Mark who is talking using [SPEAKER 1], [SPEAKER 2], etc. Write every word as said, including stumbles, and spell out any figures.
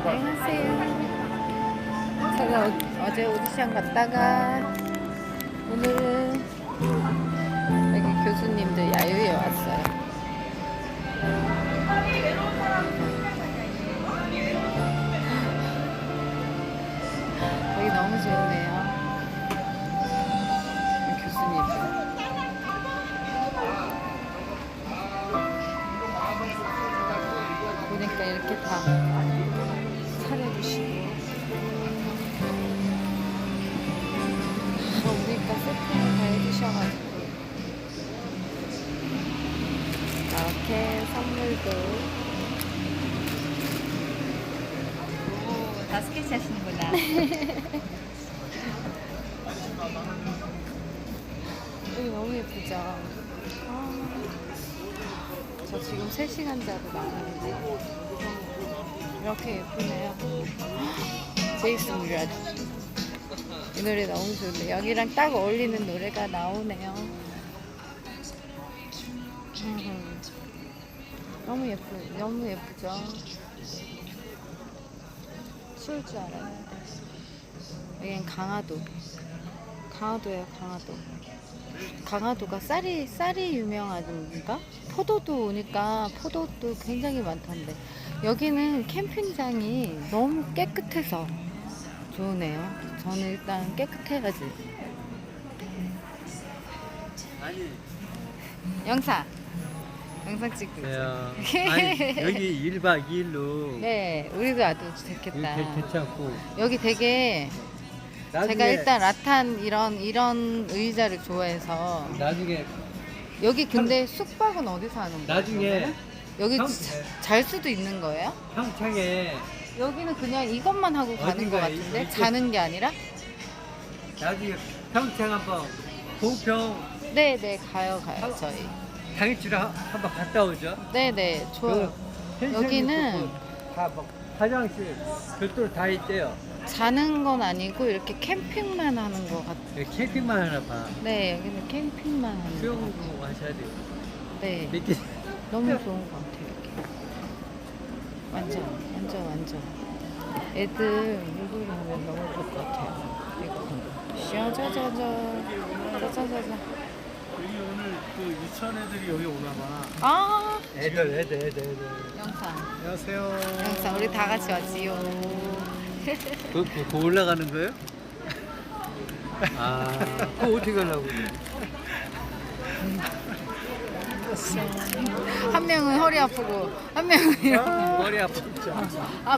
[SPEAKER 1] 안녕하세요. 제가 어, 어제 오디션 갔다가 오늘은 여기 교수님들 야유회 왔어요. 여기 너무 좋네요. 교수님들. 보니까 이렇게 다 차려주시고 아, 오니까 세팅을 다 해주셔가지고 이렇게 선물도
[SPEAKER 2] 오, 다 스케치 하시는구나.
[SPEAKER 1] 여기 너무 예쁘죠? 아, 저 지금 세 시간 자고 나가는데 이렇게 예쁘네요. 제이슨 뮤라드. 이 노래 너무 좋은데 여기랑 딱 어울리는 노래가 나오네요. 음, 너무 예쁘, 너무 예쁘죠? 추울 줄 알았는데. 여기는 강화도. 강화도예요, 강화도. 강화도가 쌀이 쌀이 유명하던가? 포도도 오니까 포도도 굉장히 많던데 여기는 캠핑장이 너무 깨끗해서 좋으네요. 저는 일단 깨끗해야지.
[SPEAKER 3] 아니,
[SPEAKER 1] 영상 영상 찍고
[SPEAKER 3] 네,
[SPEAKER 1] 있어요.
[SPEAKER 3] 아니 여기 일 박 이 일로
[SPEAKER 1] 네, 우리도 와도 좋겠다.
[SPEAKER 3] 이렇게 괜찮고
[SPEAKER 1] 여기 되게
[SPEAKER 3] 나중에,
[SPEAKER 1] 제가 일단 라탄 이런 이런 의자를 좋아해서
[SPEAKER 3] 나중에
[SPEAKER 1] 여기 근데 숙박은 어디서 하는 거예요?
[SPEAKER 3] 나중에
[SPEAKER 1] 그러면은? 여기
[SPEAKER 3] 형-
[SPEAKER 1] 자- 잘 수도 있는 거예요?
[SPEAKER 3] 평창에
[SPEAKER 1] 여기는 그냥 이것만 하고 가는 것
[SPEAKER 3] 어딘가에
[SPEAKER 1] 같은데
[SPEAKER 3] 이렇게-
[SPEAKER 1] 자는 게 아니라?
[SPEAKER 3] 나중에 평창 한번 봉평
[SPEAKER 1] 네네 가요 가요 저희.
[SPEAKER 3] 당일치로 한- 한번 갔다 오죠.
[SPEAKER 1] 네네 좋아요.
[SPEAKER 3] 그 펜션이
[SPEAKER 1] 여기는
[SPEAKER 3] 있고 다막 화장실 별도로 다 있대요.
[SPEAKER 1] 자는 건 아니고 이렇게 캠핑만 하는 것 같아요.
[SPEAKER 3] 여기 캠핑만 하나 봐.
[SPEAKER 1] 네 여기는 캠핑만 하는 것 같아요.
[SPEAKER 3] 수영도 하셔야 돼요.
[SPEAKER 1] 네
[SPEAKER 3] 이렇게
[SPEAKER 1] 너무 좋은 것 같아요 이렇게. 완전 완전 완전 애들 물놀이 하면 너무 좋을 것 같아요. 이거 샤자자자 짜자자자.
[SPEAKER 4] 여기 오늘 그 유치원 애들이 여기 오나 봐.
[SPEAKER 1] 아
[SPEAKER 3] 애들 애들 애들 애들.
[SPEAKER 1] 영상
[SPEAKER 4] 안녕하세요.
[SPEAKER 1] 영상 우리 다 같이 왔지요.
[SPEAKER 3] 그, 그, 그 올라가는 거예요? 아, 그거 어떻게 가려고?
[SPEAKER 1] 한 명은 허리 아프고 한 명은 이런
[SPEAKER 3] 머리 아프죠?
[SPEAKER 1] 아